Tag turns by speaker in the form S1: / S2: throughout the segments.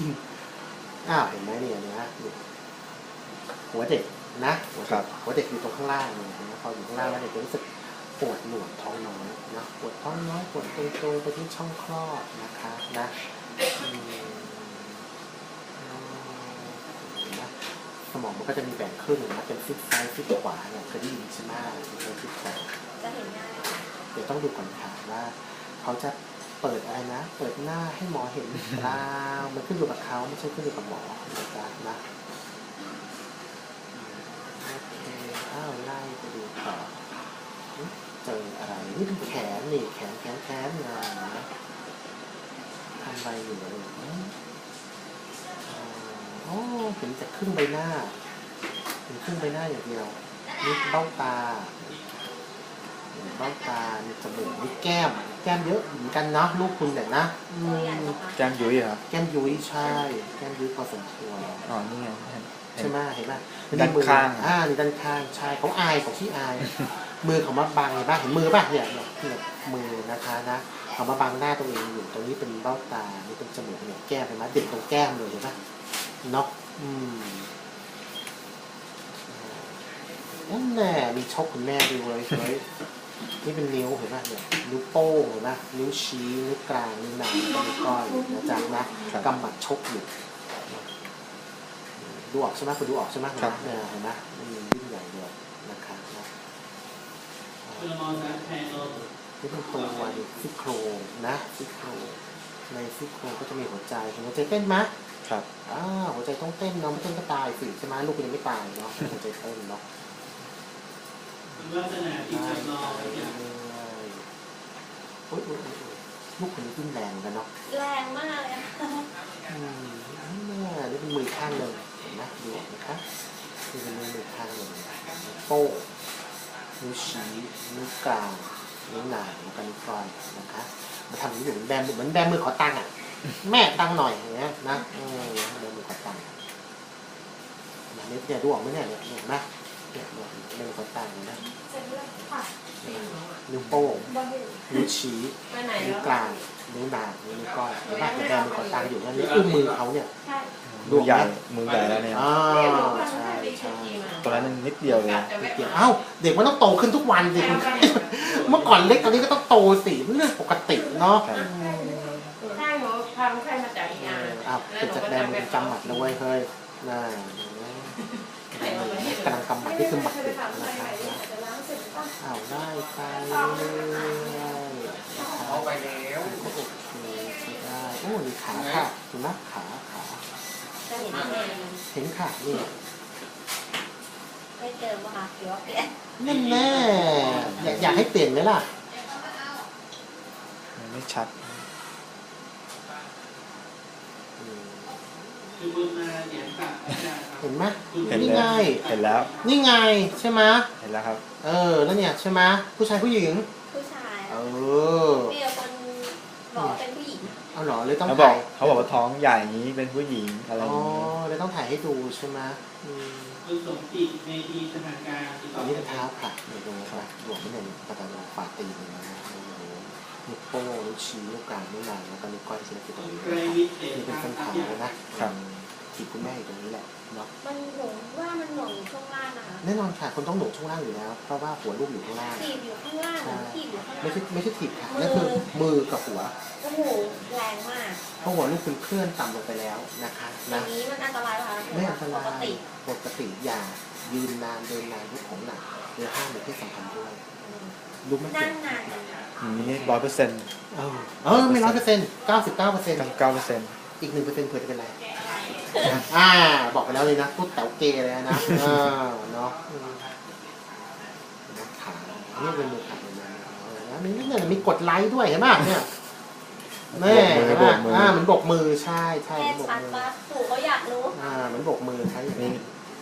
S1: เห็นไหมเนี่ยนะหัวเด็กนะหัวเด็กอยู่ตรงข้างล่างเนี่ยพออยู่ข้างล่างแล้วเด็กจะรู้สึกปวดหนวดท้องน้อยนะปวดท้องน้อยปวดตรงๆไปที่ช่องคลอดนะคะนะสมองมันก็จะมีแบ่งครึ่งนะเป็นซีกซ้ายซีกขวาเนี่ยเคยได้ยินใช่ไหมเป็นซีกขวา
S2: จะเห็นง่าย
S1: เดี๋ยวต้องดูก่อนค่ะว่าเขาจะเปิดอะไรนะเปิดหน้าให้หมอเห็นหรือเปล่ามันขึ้นอยู่กับเขาไม่ใช่ขึ้นอยู่กับหมอนะโอเคไล่ไปดูต่อเจออะไรนี่เป็นแขนนี่แขนนะทำอะไรอยู่เลยเห็นจากครึ่งใบหน้าเห็นครึ่งใบหน้าอย่างเดียวนี่เบ้าตามีจมูกมีแก้มเยอะเหมือนกันเนาะลูกคุณเนี่ยนะ
S3: แก้มยุ้ยครับ
S1: แก้มยุ้ยใช่แก้มยุ้ยพอสมควร
S3: นี่ไง
S1: ใช่ไหมเห็นไหม
S3: ด้านข้าง
S1: นี่ด้านข้างใช่เขาอายของที่อายมือเขามาบังเห็นป่ะเห็นมือป่ะเนี่ยมือนะคะนะเขามาบังหน้าตัวเองอยู่ตรงนี้เป็นเบ้าตานี่เป็นจมูกเนี่ยแก้มเห็นไหมเด็กตรงแก้มเลยเห็นป่ะเนาะนั่นแหละมีชกคุณแม่ด้วยเฮ้ยนี่เป็นนิ้วเห็นไหมเนี่ยนิ้วโป้งเห็นไหมนิ้วชี้นิ้วกลางนิ้วนางนิ้วก้อยนะจ๊ะนะกำหมัดชกอยู่ดูออกใช่ไหมคุณดูออกใช่ไหมเนี่ยเห็นไหมมันยิ่งใหญ่เลยนะครับนี่เป็นตัวซี่โครงนะซี่โครงในซี่โครงก็จะมีหัวใจหัวใจเต้นไหม
S3: ครับ
S1: หัวใจต้องเต้นเนาะไม่เต้นก็ตายสิใช่ไหมลูกคุณยังไม่ตายเนาะหัวใจเต้นเนาะ
S4: ลักษณะที่จำลอง
S1: ลูกคนนี้ขึ้นแรงกันเนาะ
S2: แรงมากเลย
S1: นี่เป็นมือข้างหนึ่งเห็นไหมดูนะคะนี่เป็นมือข้างหนึ่งโป้นิ้วชี้นิ้วกลางนิ้วนางแล้วก็นิ้วก้อยนะคะมาทำนี้เหมือนแบมือขอตังค์อ่ะแม่ตังหน่อยอย่างเงี้ยนะแบมือขอตังค์เนี่ยดูออกไหมเนี่ยเห็นไหมเนี่ยมือขอตังค์นะนิ้วโป้งนิ้วชี้นิ้วกลางนิ้วนางนิ้วก้อยบ้านแดงมือขอตังอยู่นั่นนี่อุ้มมือเขาเนี่ย
S3: มือใหญ่แล้วเนี่ย
S1: ใช่
S3: ตอนนั้นนิดเดียวเลย
S1: เด็กมันต้องโตขึ้นทุกวันสิเมื่อก่อนเล็กตอนนี้ก็ต้องโตสิเรื่องปกติเนาะ
S2: ใช่หนูพาใครมาจากอีก
S1: เป็นจากแดงมันจำหมัดนะเว้ยเฮ้ยน่ากำลังกำหมัดที่คือหมัดเด็กนะครับได้ไป
S4: เอาไปแล้ว
S1: โอเคได้นี่ขาค่ะเห็นไหมขาเห็นขานี่
S2: ไม่เจอป่ะคะหรือว่าเปลี่ยน
S1: นั่นแน่อยากให้เปลี่ยนไหมล่ะ
S3: ไม่ชัด
S1: เห็นไหม
S3: นี่ไงเห็นแล้ว
S1: นี่ไงใช่ไหม
S3: เห็นแล้วครับ
S1: แล้วเนี่ยใช่ไหมผู้ชายผู้หญิง
S2: ผู้ชายมีคนบอกเป็นผู้หญิง
S1: เอาหรอเลยต้อง
S3: ถ่ายเขาบอกว่าท้องใหญ่นี้เป็นผู้หญิงอะไรอย่างนี้
S1: เลยต้องถ่ายให้ดูใช่ไหม
S4: คุณสมจิตในทีสถานการณ์
S1: อันนี้เป็นเท้าค่ะเดี๋ยวดูนะหลวมไม่เห็นกระดานฝ่าตีนนะนิ้วโป้งนิ้วชี้นิ้วกลางนิ้วนางแล้วก็นิ้วก้อยชิ้นที่ตรงนี้นี่เป็นเส้นเท้านะถีบคุณแม่อยู่ตรงนี้แหละเนาะ
S2: มันหนุนว่ามันหนุนช่วงล่างนะคะ
S1: แน่นอนค่ะคนต้องหนุนช่วงล่างอยู่แล้วเพราะว่าหัวลูกอยู่ข้างล่าง
S2: ถีบอยู่ข้างล่างถีบอยู่ข้างล่าง
S1: ไม่ใช่ถีบค่ะนั่นคือมือกับหัว
S2: โอ้โหแรงมาก
S1: เพราะหัวลูกคุณเคลื่อนต่ำลงไปแล้วนะคะ
S2: นะนี้มันอันตรายค่ะ
S1: ไม่อันตรายปกติอย่ายืนนานเดินนานลูกของหนักหรือห้ามในที่สำคัญด้วยลูกไม่
S2: นั่งนาน
S3: นี่100%
S1: ไม่100%99%อีก1%เผื่อจะเป็นไรบอกไปแล้วเลยนะพูดแต๋วเกเลยนะเนาะขานี่เป็นมือขาเลยนะนี่มีกดไลค์ด้วยเห็นไหมเนี่ยแม่เห็นไหมเหมือนบกมือใช่
S2: บกมือปู่เขาอยากรู้
S1: เหมือนบกมือใช่อย่างนี้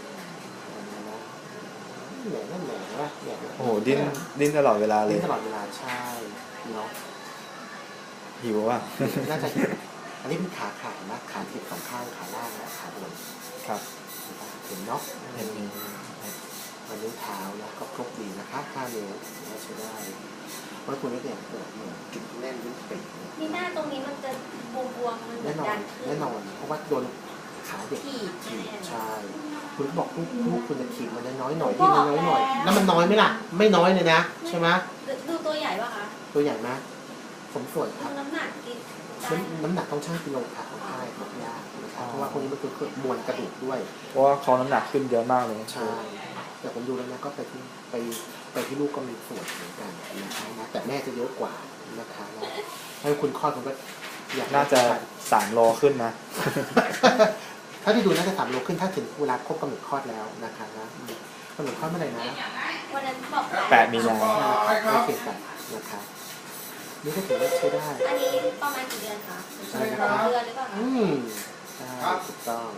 S1: นั่นแหละว่า
S3: โอ้โหดิ้นตลอดเวลาเลย
S1: ดิ้นตลอดเวลาใช่เนาะ
S3: หิวว่ะ
S1: น่าจะอันนี้เป็นขาขานะขาถีบสองข้างขาล่างและขาบน
S3: ครับ
S1: เห็นเนาะ
S3: เห็นมี
S1: นิ้วเท้านะก็ครบดีนะคะ5 นิ้วนะใช้ได้เพราะคุณเนี่ยเปิดเหมือนจุดแน่นลิ้นปีก
S2: มีหน้าตรงนี้มันจะบวมๆมันเหมื
S1: แน่
S2: อน
S1: นอ
S2: ดั
S1: น
S2: นขึ้น
S1: แน่นอนเพราะว่าโดนขาเด็ก
S2: ถีบ
S1: ถีบ
S2: แน่ๆ
S1: ใช่คุณบอกลูกคุณจะถีบมันน้อยหน่อยที่มันน้อยหน่อยแล้วมันน้อยไหมล่ะไม่น้อยเลยนะใช่ไหม
S2: ดูตัวใหญ่ป่ะคะ
S1: ตัวใหญ่ไหมสมส่วนครับ
S2: น้ำหนักกินได้
S1: น้ำหนักต้องชั่งกิโลค่ะของค่ายบอกยากนะครับเพราะว่าพวกนี้มันคือมวลกระดูกด้วย
S3: เพราะว่าเขาน้ำหนักขึ้นเยอะมากเลย
S1: ใช่แต่ผมดูแล้วนะก็ไปที่ลูกก็มีส่วนเหมือนกันนะคะนะแต่แม่จะเยอะกว่านะคะนะให้คุณคลอดคุณก็อยาก
S3: น่าจะ3 โลขึ้นนะ
S1: ถ้าที่ดูน่าจะ3 โลขึ้นถ้าถึงเวลาครบกำหนดคลอดแล้วนะคะนะกำหนดคลอดเมื่อไหร่นะ
S2: วันนั้นบอก
S3: 8 มีนา
S1: ไม่เปลี่ยนไปนะคะนี่ก็ถือว่าใช้ได้
S2: อันนี้ประมาณกี่เดือนคะ
S1: ใช่ครับ
S2: 2 เดือนหรือเปล่าคะ
S1: ใช่ถูกต้อง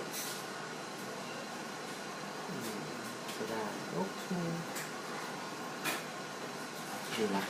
S1: ใช้ได้โอเคดีละ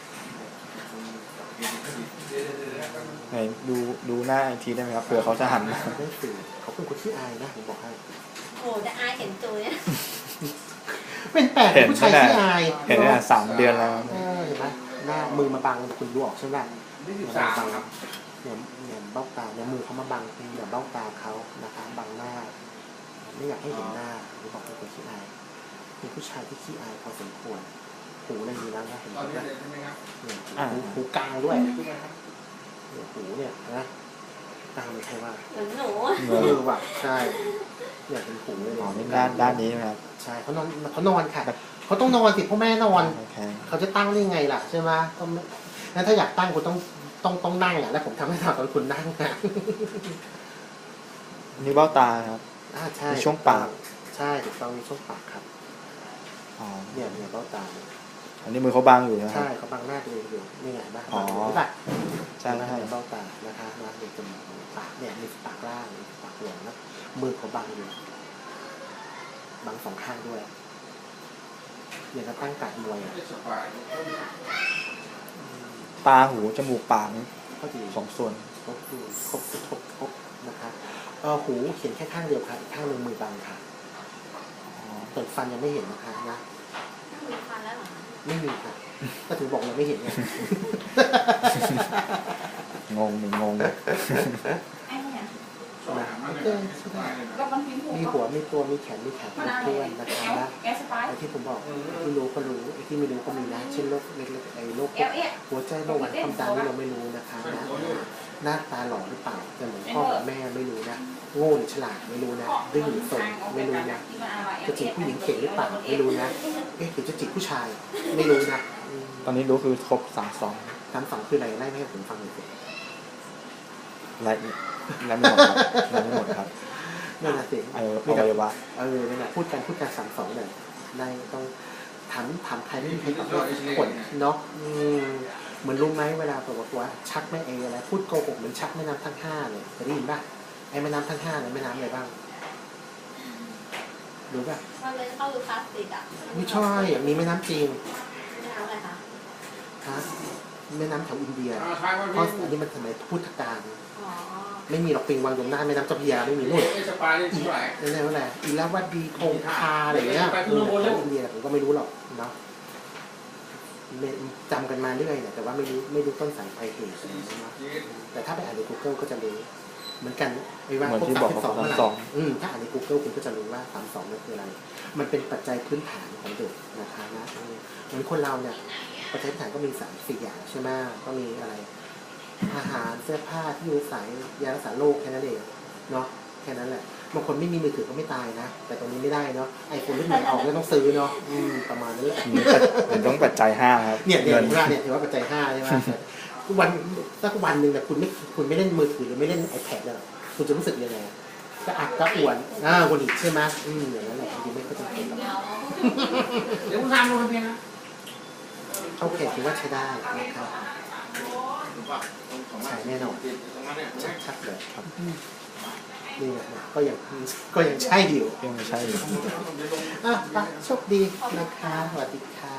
S3: ไหนดูหน้าอีกทีได้ไหมครับเผื่อเขาจะหันมา
S1: ได้สื่อเขาเป็นคนที่อายนะผมบอกให้
S2: โอ้จะอายเห็นตัวเนี่ย
S1: เป็นแปลกผู้ชายที่อาย
S3: เห็นเนี่ย3 เดือนแล้ว
S1: เห็นไหมหน้ามือมาบังคุณดูออกใช่ไหมมาบังเนี่ยเบ้าตาเนี่ยมือเขามาบังเนี่ยเบ้าตาเขานะคะบังหน้า ไม่อยากให้เห็นหน้าหรือบอกเป็นคนขี้อายเป็นผู้ชายที่ขี้อายพอสมควรหูอะไรมีแล้วนะเห็นไหมเนี่ยหูกลางด้วยเนี่ยหูเนี่ยนะกลางไม่ใช่ว่า
S2: เหมือนหนู
S1: ว่ะใช่เนี่ยเป็นหูเลย
S3: อ๋อนี่ด้านนี้ไหมครับ
S1: ใช่เขานอนค่ะเขาต้องนอนสิพ่อแม่นอน
S3: โอเค
S1: เขาจะตั้งได้ยังไงล่ะใช่ไหมก็งั้นถ้าอยากตั้งคุณต้องนั่งอ่ะแล้วผมทำให้ตอนคุณนั่งนะ
S3: นี่เบ้าตาครับ
S1: ใช่
S3: มีช่วงปาก
S1: ใช่ถูกต้องมีช่วงปากครับ
S3: อ๋อ
S1: เนี่ยเบ้าตา
S3: อันนี้มือเขาบางอยู่นะครั
S1: ใช่
S3: บ
S1: เขาบังหน้าตัวเองอยู่นี่ไงบ้าง
S3: อ๋อ
S1: ใช่ปะ
S3: ใช่ใช่
S1: เบ้าตานะคะมาในจมูกปากเนี่ยมีปากล่างมีปากหลงแล้วมือเขาบังอยู่บังสองข้างด้วยอย่างกับตั้งการมวยอ่ะ
S3: ตาหูจมูกปากนี่
S1: ก็ดี
S3: 2 ส่วน
S1: ครบนะคะหูเห็นแค่ข้างเดียวค่ะอีกข้างหนึ่งมือบังค่ะส่วนฟันยังไม่เห็นนะคะนะ
S2: มีฟันแล้วเหรอคะ
S1: ไม่มีค่ะก็ถึงบอกยังไม่เห็นไง
S3: งง
S2: ไอ้เนี่ย
S1: นะโอเคมีหัวมีตัวมีแขนมีขาครบถ้วนนะคะนะไอ้ที่ผมบอกที่รู้ก็รู้ไอ้ที่ไม่รู้ก็มีนะเช่นโรคเล็กๆไอ้โรคหัวใจเบาหวานความดันนี่เราไม่รู้นะคะนะหน้าตาหล่อหรือเปล่าจะเหมือนพ่อกับแม่ไม่รู้นะโง่หรือฉลาดไม่รู้นะดื้อหรือสนไม่รู้นะจะจีบผู้หญิงเก่งหรือเปล่าไม่รู้นะหรือจะจีบผู้ชายไม่รู้นะ
S3: ตอนนี้รู้คือครบ32
S1: 3 2คืออะไรไล่ไม่ให้ผมฟังเลยสิ
S3: ไล่ไม่หมดครับไล่ไม่หมดครับ
S1: นั่นน่ะสิ
S3: อวัยวะ
S1: นั่นแหละพูดกัน3 2เลยได้ต้องถามใครไม่มีใครตอบได้ทุกคนเนาะเหมือนรู้ไหมเวลาบอกว่าชักแม่เออะไรพูดโกหกเหมือนชักแม่น้ำทั้ง5เลยเคยได้ยินป่ะไอ้แม่น้ำทั้ง5เนี่ยแม่น้ำอะไรบ้างรู้ป่ะ
S2: มันเลยเข้าดูพลาสติกอ่ะ
S1: ไม่ใช่มีแม่น้ำจีน
S2: ไม่เอาอะไรคะ
S1: ฮะแม่น้ำแถวอินเดียเพราะอันนี้มันสมัยพุทธกาล
S2: อ๋อ
S1: ไม่มีหรอกปิงวังยมหน้าแม่น้ำเจ้าพระยาไม่มีนู่นนั่นแหละว่าอะไรอีลาวดีคงคาอะไรเงี้ยแถวอินเดียผมก็ไม่รู้หรอกเนาะจำกันมาเรื่อยเนี่ยแต่ว่าไม่รู้ต้นสายปลายเหตุนะแต่ถ้าไปอ่านใน Google ก็จะรู้เหมือนกันไม่ว่า
S3: เหมือน
S1: พวก
S3: ที่บอกว่า
S1: 32เมื่อไหร่
S3: 32
S1: ถ้าอ่านใน Google คุณก็จะรู้ว่า32นั่นคืออะไร มันเป็นปัจจัยพื้นฐานของเด็กนะคะนะเหมือนคนเราเนี่ยปัจจัยพื้นฐานก็มี3-4 อย่างใช่ไหมก็มีอะไรอาหารเสื้อผ้าที่อยู่อาศัยยารักษาโรคแค่นั้นเองเนาะแค่นั้นแหละบางคนไม่มีมือถือก็ไม่ตายนะแต่ตรงนี้ไม่ได้เนาะไอโฟนรุ่นใหม่ออกแล้วต้องซื้อเนาะประมาณนี้
S3: ผมต้องปัจจัย5ครับ
S1: เนี่ยถือว่าปัจจัย5ใช่ไหมสักวันหนึ่งแต่คุณไม่เล่นมือถือหรือไม่เล่น iPad แล้วคุณจะรู้สึกยังไงก็อัดก็อ้วนวนอีกใช่ไหมอย่างนั้นแหละจริงๆไม่ค่อยจำเป็นหรอก
S4: เดี๋ยวคุณทำลงทะเบียนนะ
S1: โอเคถือว่าใช้ได้นะครับใช้แน่นอนชัดเลยครับนี่ไงก็ยังใช่อยู่
S3: ยังไม่ใช่
S1: ไปโชคดีนะคะสวัสดีค่ะ